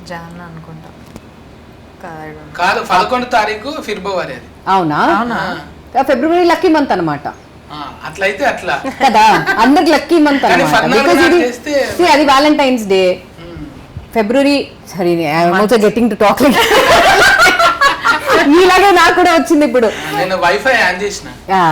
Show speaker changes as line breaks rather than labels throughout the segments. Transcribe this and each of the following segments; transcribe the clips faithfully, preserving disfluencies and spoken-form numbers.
John అనుకుంటా
కాదు పదకొండు తారీఖు ఫిబ్రవరి అది.
అవునా? ఫిబ్రవరి లక్కీ మంత్ అనమాట.
అట్లయితే అట్లా
కదా, అందరికి లక్కీ మంత్ అనమాట. అది వ్యాలంటైన్స్ డే ఫిబ్రవరి. సరే, I'm also getting to talk. ఇలాగే నాకు కూడా వచ్చింది ఇప్పుడు.
నేను వైఫై ఆన్ చేసిన,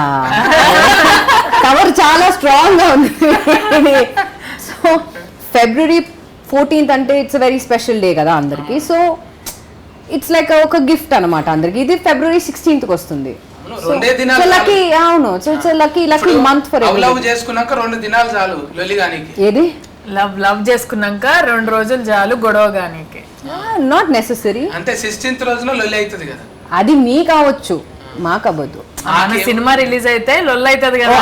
కవర్ చాలా స్ట్రాంగ్ గా ఉంది. సో ఫిబ్రవరి ఫోర్టీన్త్ అంటే ఇట్స్ వెరీ స్పెషల్ డే కదా అందరికి. సో ఇట్స్ లైక్ ఒక గిఫ్ట్ అనమాట అందరికి. ఇది ఫిబ్రవరి సిక్స్టీన్త్ కి వస్తుంది. లక్కీ, అవును. So it's lucky lucky month for every.
Love చేసుకున్నాక రెండు దినాలు చాలు లొలిగానికి.
ఏది
లవ్ లవ్ చేసుకున్నాక రెండు రోజులు చాలు గొడవగానికి.
Not necessary.
అంటే సిక్స్టీన్త్ రోజున లొల్లి అవుతుంది కదా.
అది మీ కావచ్చు, మాకు అవ్వదు.
మన సినిమా రిలీజ్ అయితే లొల్లి అవుతుంది కదా.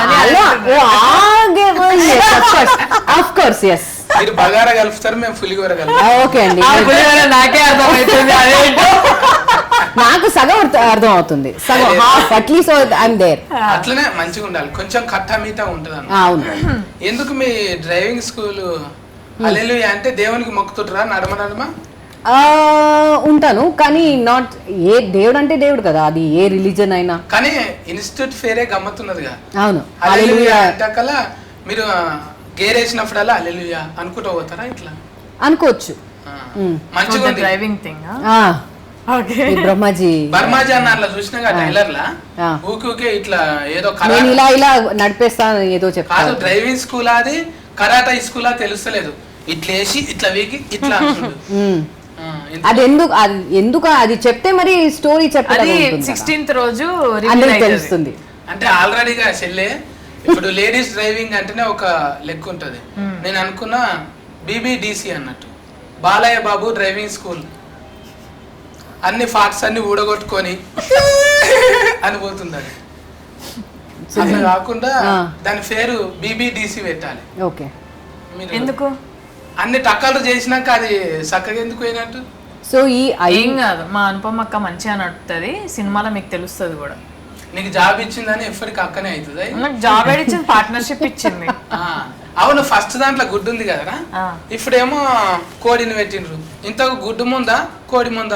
Of course, yes.
మీరు బగారా కలుపుతారు, మేము పులిగోర కలుపుతాం.
ఓకే అండి,
నాకే అర్థమవుతుంది. అదేంటో
నాకు సగం అర్థం అవుతుంది, సగం హాఫ్ అట్లీస్ట్ ఐఎమ్ దేర్.
అట్లనే మంచిగా ఉండాలి, కొంచెం కట్టా మీటా ఉంటది అన్న.
అవును.
ఎందుకు మీ డ్రైవింగ్ స్కూల్ హల్లెలూయా అంటే దేవునికి మొక్కుతుంటారా నడమ నడమ?
ఉంటాను, కానీ నాట్ ఏ దేవుడు అంటే దేవుడు కదా, అది ఏ రిలీజన్ అయినా.
కానీ ఇన్స్టిట్యూట్ ఫేరే గమ్మత్తున్నదిగా.
అవును,
హల్లెలూయా అంటకల్లా మీరు గేర్ వేసినప్పుడల్లా హల్లెలూయా అనుకుంటూ పోతారా? ఇట్లా
అనుకోవచ్చు.
మంచిగా
డ్రైవింగ్ థింగ్.
బ్రహ్మాజీ
బర్మాజీ అన్న అట్లా చూసినా టైలర్ లా ఊకే ఊకే ఇట్లా ఏదో
నేను ఇలా ఇలా నడిపేస్తాను ఏదో చెప్తాను.
కాదు, డ్రైవింగ్ స్కూల్ అది కరాటా స్కూల్ అది తెలుస్తలేదు. ఇట్లా వేసి ఇట్లా వీకి ఇట్లా
అది ఎందుకు అది ఎందుకు అది చెప్తే మరి స్టోరీ చెప్పాలి.
సిక్స్టీన్త్ రోజు
తెలుస్తుంది.
అంటే ఆల్రెడీగా చెల్లె ఇప్పుడు లేడీస్ డ్రైవింగ్ అంటేనే ఒక లెక్క ఉంటది. నేను అనుకున్నా బీబీడీసీ అన్నట్టు, బాలయ్య బాబు డ్రైవింగ్ స్కూల్. అన్ని ఫాక్స్ అన్ని ఊడగొట్టుకొని అని పోతుంది అది. అట్లా కాకుండా దాని పేరు బీబీడీసీ పెట్టాలి.
ఓకే.
ఎందుకు
అన్ని టక్కలు చేసినాక అది చక్కగా ఎందుకు పోయినట్టు?
సో ఈ
ఏం కాదు, మా అనుపమ అక్క మంచిగా నడుపుతుంది సినిమాలో, మీకు తెలుస్తుంది కూడా.
నీకు జాబ్ ఇచ్చిందని ఎప్పటికి అక్కనే అవుతుంది.
నాకు జాబ్ ఇచ్చింది, పార్ట్నర్షిప్ ఇచ్చింది.
అవును, ఫస్ట్ దాంట్లో గుడ్డు ఉంది కదరా, ఇప్పుడేమో కోడిని పెట్టిండ్రు. ఇంతకు గుడ్డు ముందా కోడి ముందా?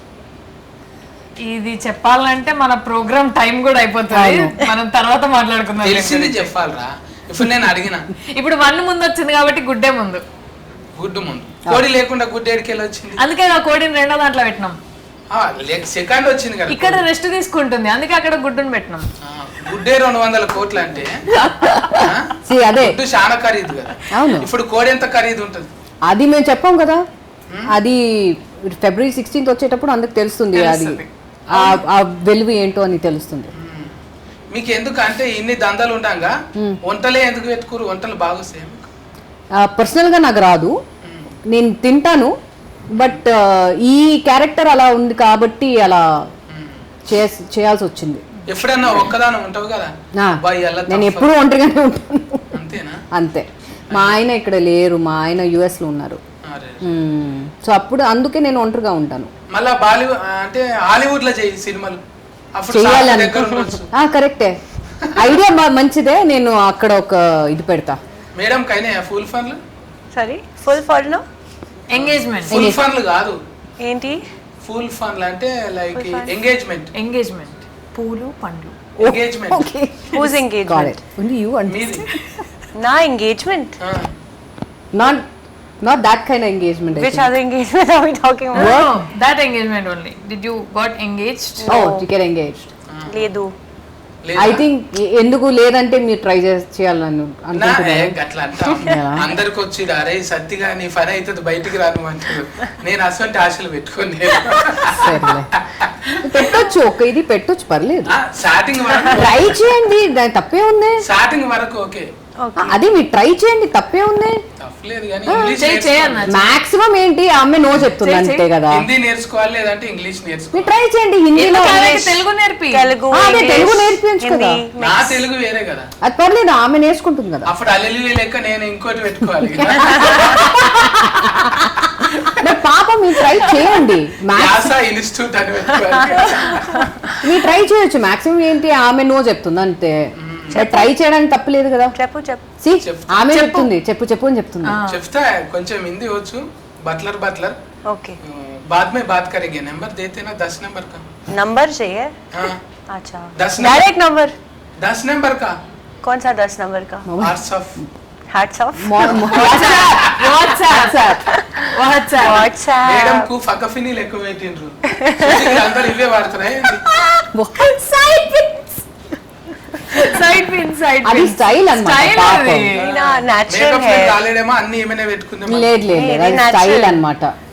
ఇది చెప్పాలంటే మన ప్రోగ్రామ్ టైం కూడా అయిపోతుంది, మనం తర్వాత మాట్లాడుకుందాం.
తెలిసింది చెప్పాలరా. ఇప్పుడు నేను అడిగిన,
ఇప్పుడు వన్ ముందు వచ్చింది కాబట్టి గుడ్డే ముందు.
గుడ్డు ముందు కోడి లేకుండా గుడ్డు ఎడికెళ్ళి వచ్చింది.
అందుకే ఆ కోడిని రెండో దాంట్లో పెట్టినాం.
సెకండ్ వచ్చింది కదా,
ఇక్కడ రెస్ట్ తీసుకుంటుంది, అందుకే అక్కడ గుడ్డుని పెట్టినాం.
గుడ్డే రెండు వందల కోట్లు అంటే
అదే
గుడ్డు చాలా ఖరీదు కదా. ఇప్పుడు కోడి ఎంత ఖరీదు ఉంటుంది
అది మేము చెప్పాం కదా. అది ఫిబ్రవరి సిక్స్టీన్త్ వచ్చేటప్పుడు అందుకు తెలుస్తుంది, అది ఆ వెలుగు ఏంటో అని తెలుస్తుంది.
మీకు ఎందుకు అంటే ఇన్ని దందాలు ఉండగా వంటలే ఎందుకు పెట్టుకోరు? వంటలు బాగా సేమ్.
పర్సనల్ గా నాకు రాదు, నేను తింటాను, బట్ ఈ క్యారెక్టర్ అలా ఉంది కాబట్టి అలా చేయాల్సి వచ్చింది.
ఎప్పుడన్నా ఒక్కదానం ఉంటావు కదా,
నేను ఎప్పుడు ఒంటరిగానే ఉంటాను.
అంతేనా?
అంతే. మా ఆయన ఇక్కడ లేరు, మా ఆయన యుఎస్ లో ఉన్నారు. సో అప్పుడు అందుకే నేను ఒంటరిగా ఉంటాను.
మళ్ళా బాలీవుడ్ అంటే హాలీవుడ్ లో చేయి సినిమాలు
చేయాలని. కరెక్టే, ఐడియా మంచిదే. నేను అక్కడ ఒక ఇది పెడతా.
మేడం కైనా ఫుల్ ఫన్లు?
సారీ, ఫుల్ ఫన్లు
ఎంగేజ్మెంట్.
ఫుల్ ఫన్లు కాదు,
ఏంటి
ఫుల్ ఫన్లు అంటే లైక్ ఎంగేజ్మెంట్.
ఎంగేజ్మెంట్ పూలు పండ్లు.
Engagement.
Whose engagement?
Only you and
me.
నా engagement?
Not not that kind of engagement.
Which other engagement are we talking about?
No, that engagement only. Did you got engaged?
No. Oh, you get engaged.
లేదు.
I think ఎందుకు లేదంటే మీరు try చేయాలని అనుకుంటున్నాను.
అట్లా అంటా అందరికి వచ్చి అరే సత్తిగా నీ పని అవుతుంది బయటికి రాను అంటారు. నేను అసలు ఆశలు పెట్టుకోండి.
పెట్టొచ్చు, ఒక ఇది పెట్టొచ్చు, పర్లేదు.
స్టార్టింగ్ వరకు
ట్రై చేయండి, దాని తప్పే ఉంది.
స్టార్టింగ్ వరకు ఓకే,
అది మీరు ట్రై చేయండి, తప్పే ఉంది. మాక్సిమం ఏంటి ఆమె నో చెప్తుంది అంతే కదా.
హిందీ నేర్చుకోవాలి లేదంటే ఇంగ్లీష్ నేర్చుకోవాలి.
ట్రై చేయండి, హిందీలో
తెలుగు నేర్పి.
తెలుగు
తెలుగు నేర్పించు కదా.
నా తెలుగు వేరే కదా,
అది పర్లేదు, ఆమె నేర్చుకుంటుంది కదా.
అప్పుడు అల్లెలు లెక్క నేను ఇంకోటి పెట్టుకోవాలి.
పాప మీరు ట్రై చేయండి,
ఇన్స్టిట్యూట్ అని పెట్టుకోవాలి.
మీరు ట్రై చేయొచ్చు. మాక్సిమం ఏంటి ఆమె నో చెప్తుంది అంతే. ట్రై చేయడానికి తప్పలేదు కదా.
చెప్పు చెప్పు
ఆమె చెప్తుంది, చెప్పు చెప్పు అని చెప్తుంది.
చెప్తా కొంచెం హిందీ వచ్చు, బట్లర్ బట్లర్
ओके
बाद में बात करेंगे नंबर देते ना दस नंबर का
नंबर चाहिए
हाँ
अच्छा
दस नंबर
डायरेक्ट नंबर
दस नंबर का
कौन सा दस नंबर का
arts off
hats off
WhatsApp WhatsApp
madam
WhatsApp
కు ఫకఫిని లెక్క పెట్టిండ్రు అందరు ఇవే వాడతారా
సైడ్ పిన్ సైడ్
అది స్టైల్ అన్నమాట
స్టైల్
పాపం.
అది
ना नेचुरल
మేకప్
है
కాలేడేమో అన్ని ఏమైనా పెట్టుకుందాం
లేదు లేదు
ఇది
అది
natural.
స్టైల్ అన్నమాట